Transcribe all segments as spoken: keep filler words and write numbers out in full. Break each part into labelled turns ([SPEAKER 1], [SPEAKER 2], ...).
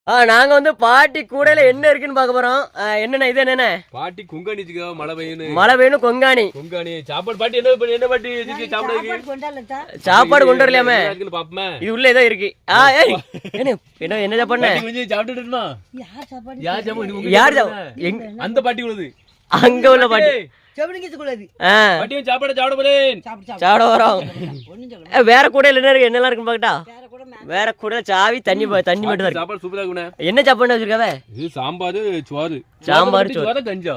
[SPEAKER 1] ஆ நாங்க வந்து பாட்டி கூடையில என்ன இருக்குன்னு பார்க்க போறோம். என்னென்ன இது என்னென்ன
[SPEAKER 2] பாட்டி குங்காணி மழை பெய்யணும்
[SPEAKER 1] மழை வேணும் கொங்காணி
[SPEAKER 2] கொங்காணி சாப்பாடு பாட்டி என்ன என்ன பாட்டி
[SPEAKER 1] சாப்பாடு கொண்டு வரலையாமே
[SPEAKER 2] பாப்பமே
[SPEAKER 1] இது உள்ள ஏதோ இருக்கு. ஆ ஏய் என்ன என்ன என்ன சாப்பாடு
[SPEAKER 2] கொஞ்சம் சாப்பிட்டுட்டுமா
[SPEAKER 3] யார் சாப்பாடு
[SPEAKER 2] யார் சாப்பாடு
[SPEAKER 1] யார்
[SPEAKER 2] அந்த பாட்டி உள்ளது
[SPEAKER 1] அங்க உள்ள பாட்டி
[SPEAKER 2] பாட்டியும் சாப்பாடு சாப்பிட போறேன்
[SPEAKER 1] சாப்பிட வரோம். வேற கூடையில என்ன இருக்கு என்னெல்லாம் இருக்குன்னு பாக்கட்டா. வேற கூட சாவி தண்ணி தண்ணி மட்டும் தான்.
[SPEAKER 2] சாப்பாடு சூப்பரா இருக்குண்ணே.
[SPEAKER 1] என்ன சாப்பாடு வச்சிருக்காவே?
[SPEAKER 2] இது சாம்பார் சோறு
[SPEAKER 1] சாம்பார்
[SPEAKER 2] சோறு கஞ்சா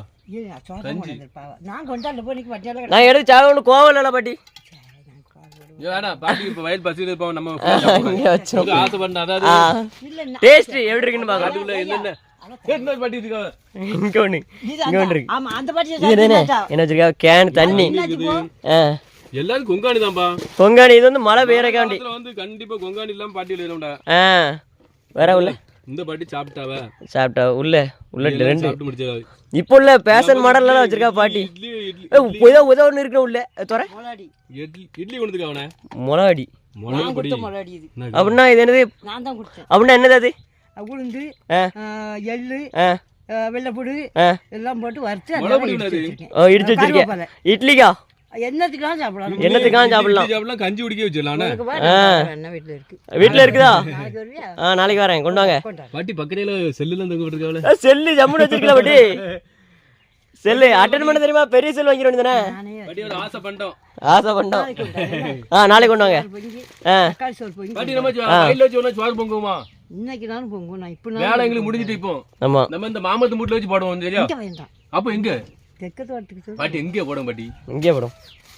[SPEAKER 1] நான் எடுத்து சாப்பிட ஒண்ணு கோவம் இல்ல பாட்டி.
[SPEAKER 2] வேணாம் பாட்டி இப்ப வயல் பசியில இருப்போம் நம்ம ஆசை பண்ண அதாவது
[SPEAKER 1] டேஸ்ட் எப்படி இருக்குன்னு பாக்கலாம்.
[SPEAKER 2] என்னென்ன என்ன பாட்டி இருக்கா
[SPEAKER 1] இங்க ஒண்ணு இங்க ஒண்ணு இருக்கு. ஆமா அந்த பாட்டி என்ன என்ன வச்சிருக்கா கேன் தண்ணி.
[SPEAKER 2] எல்லாரும் கொங்காணி தான்பா.
[SPEAKER 1] கொங்காணி இது வந்து மழை பெய்யறக்காண்டி
[SPEAKER 2] வந்து கண்டிப்பா கொங்காணி இல்லாம பாட்டி இல்லடா.
[SPEAKER 1] ஆ வேற உள்ள
[SPEAKER 2] இந்த பாட்டி சாப்பிட்டாவ
[SPEAKER 1] சாப்பிட்டா உள்ள உள்ள ரெண்டு
[SPEAKER 2] சாப்பிட்டு முடிச்சாவ.
[SPEAKER 1] இப்போ உள்ள பேஷன் மாடல்ல எல்லாம் வச்சிருக்கா பாட்டி.
[SPEAKER 2] இட்லி இட்லி
[SPEAKER 1] ஏதோ ஏதோ ஒன்னு இருக்கு உள்ள தோற
[SPEAKER 2] இட்லி இட்லி கொண்டுதுக்கு அவனே
[SPEAKER 1] மொளகாடி
[SPEAKER 2] மொளகாடி
[SPEAKER 3] மொளகாடி இது
[SPEAKER 1] அப்படினா இது என்னது?
[SPEAKER 3] நான் தான் குடிச்சேன்.
[SPEAKER 1] அப்படினா என்னது அது?
[SPEAKER 3] உளுந்து எள்ளு வெள்ளப்பூடு எல்லாம் போட்டு வறுத்து
[SPEAKER 1] ஓ இடிச்சு வச்சிருக்கேன். இட்லிக்கா
[SPEAKER 3] என்னத்துக்காக சாப்பிடலாம்
[SPEAKER 1] என்னத்துக்காக சாப்பிடலாம்
[SPEAKER 2] சாப்பிடலாம் கஞ்சி குடிக்க வச்சிடலாம்.
[SPEAKER 3] என்ன வீட்ல இருக்கு
[SPEAKER 1] வீட்ல இருக்குதா? ஆ நாளைக்கு வரேன் கொண்டு வாங்க.
[SPEAKER 2] பாட்டி பக்கத்துல செல்லுல தங்க விட்டுருக்காவல.
[SPEAKER 1] செல்லு ஜம்முன்னு வச்சிருக்கல பாட்டி. செல்லு அட்டெண்ட் பண்ண தெரியுமா? பெரிய செல் வாங்கிர வேண்டியதானே.
[SPEAKER 2] பாட்டி ஒரு ஆசை பண்ணிட்டோம்.
[SPEAKER 1] ஆசை பண்ணிட்டோம். ஆ நாளைக்கு கொண்டு வாங்க. ஆ
[SPEAKER 3] தக்காளி சோறு பொங்கி
[SPEAKER 2] பாட்டி நம்ம வயல்ல வச்சு ஒண்ணா சோறு பொங்குமா?
[SPEAKER 3] இன்னைக்கு நானும் பொங்கும். நான் இப்போ
[SPEAKER 2] வேலை எங்களுக்கு முடிஞ்சிட்டு இப்போ.
[SPEAKER 1] ஆமா
[SPEAKER 2] நம்ம இந்த மாமத்து மூட்ல வச்சு போடுவோம் சரியா?
[SPEAKER 3] இங்க வேண்டாம்.
[SPEAKER 2] அப்ப எங்க?
[SPEAKER 3] தெக்க தோட்டத்துக்கு
[SPEAKER 2] பாட்டி எங்க போடும் பாட்டி?
[SPEAKER 1] இங்கே போடும்.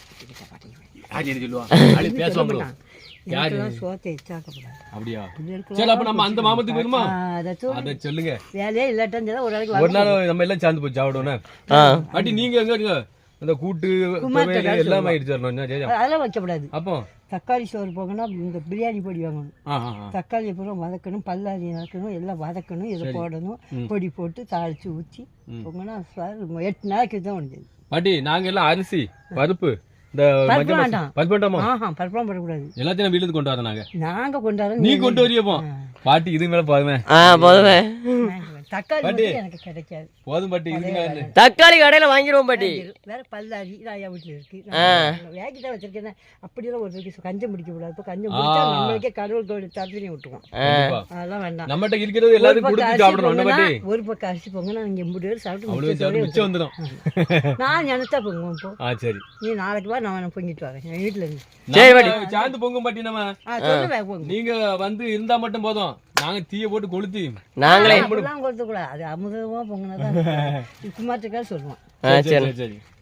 [SPEAKER 2] யார் என்ன சொல்லுவா? ஆளு பேசுவாங்க. யார்
[SPEAKER 3] சோத்தை எச்சாக்கப்படாது.
[SPEAKER 2] அப்படியே. சரி அப்ப நம்ம அந்த மாமத்துக்கு வருமா? அத சொல்லுங்க.
[SPEAKER 3] வேலையே இல்லாட்டா ஒரு நாளைக்கு
[SPEAKER 2] ஒரு நாள் நம்ம எல்லாம் சேர்ந்து போய் சாப்பிடுவோம். பாட்டி நீங்க எங்க இருங்க? அந்த கூட்டு எல்லாம் ஆயிடுச்சு.
[SPEAKER 3] அதெல்லாம் வைக்கப்படாது.
[SPEAKER 2] அப்போ
[SPEAKER 3] தக்காளி சோறு போகணும்னா இந்த பிரியாணி பொடி வாங்கணும். தக்காளி பூரா வதக்கணும், பல்லாரி நறுக்கணும், எல்லாம் வதக்கணும், இதை போடணும், பொடி போட்டு தாளிச்சு ஊற்றி போகணும்னா எட்டு நாளைக்கு தான் முடிஞ்சது.
[SPEAKER 2] பாட்டி நாங்க எல்லாம் அரிசி பருப்பு இந்த பருப்பு வேண்டாமா?
[SPEAKER 3] பருப்புலாம் போடக்கூடாது.
[SPEAKER 2] எல்லாத்தையும் வீட்டுல கொண்டு வரோம் நாங்க.
[SPEAKER 3] நாங்க கொண்டு வரோம்.
[SPEAKER 2] நீ கொண்டு வரியப்போ பாட்டி இது மேல போதுமே.
[SPEAKER 1] போதுமே.
[SPEAKER 3] தக்காளி எனக்கு கிடைக்காது.
[SPEAKER 2] போதும் பாட்டி.
[SPEAKER 1] தக்காளி கடையில வாங்கிடுவோம் பாட்டி.
[SPEAKER 3] வேற பல்லாரி ராயா வீட்டுல இருக்கு. வேகி தான் வச்சிருக்கேன். அப்படியெல்லாம் ஒரு இருக்கு கஞ்சம் பிடிக்க கூடாது. இப்போ கஞ்சம் பிடிச்சா நம்மளுக்கே கடவுள் தத்துவம் விட்டுருவோம். அதெல்லாம் வேண்டாம்.
[SPEAKER 2] நம்மகிட்ட இருக்கிறது எல்லாரும் கொடுத்து சாப்பிடணும்.
[SPEAKER 3] ஒரு பக்கம் அரிசி பொங்க நான் இங்க எண்பது பேர்
[SPEAKER 2] சாப்பிட்டு மிச்சம் வந்துடும்.
[SPEAKER 3] நான் நினைச்சா பொங்குவோம். இப்போ
[SPEAKER 2] சரி
[SPEAKER 3] நீ நாளைக்கு வா நான் பொங்கிட்டு வரேன் என் வீட்டுல இருந்து.
[SPEAKER 1] சரி பாட்டி
[SPEAKER 2] சாந்து பொங்கும் பாட்டி. நம்ம நீங்க வந்து இருந்தா மட்டும் போதும். நாங்க தீய போட்டு கொளுத்தி
[SPEAKER 1] நாங்களே
[SPEAKER 3] கொடுக்க கூடாது. அது அமுதமா பொங்கினதான் குமாரத்துக்காக சொல்லுவோம்.
[SPEAKER 1] சரி சரி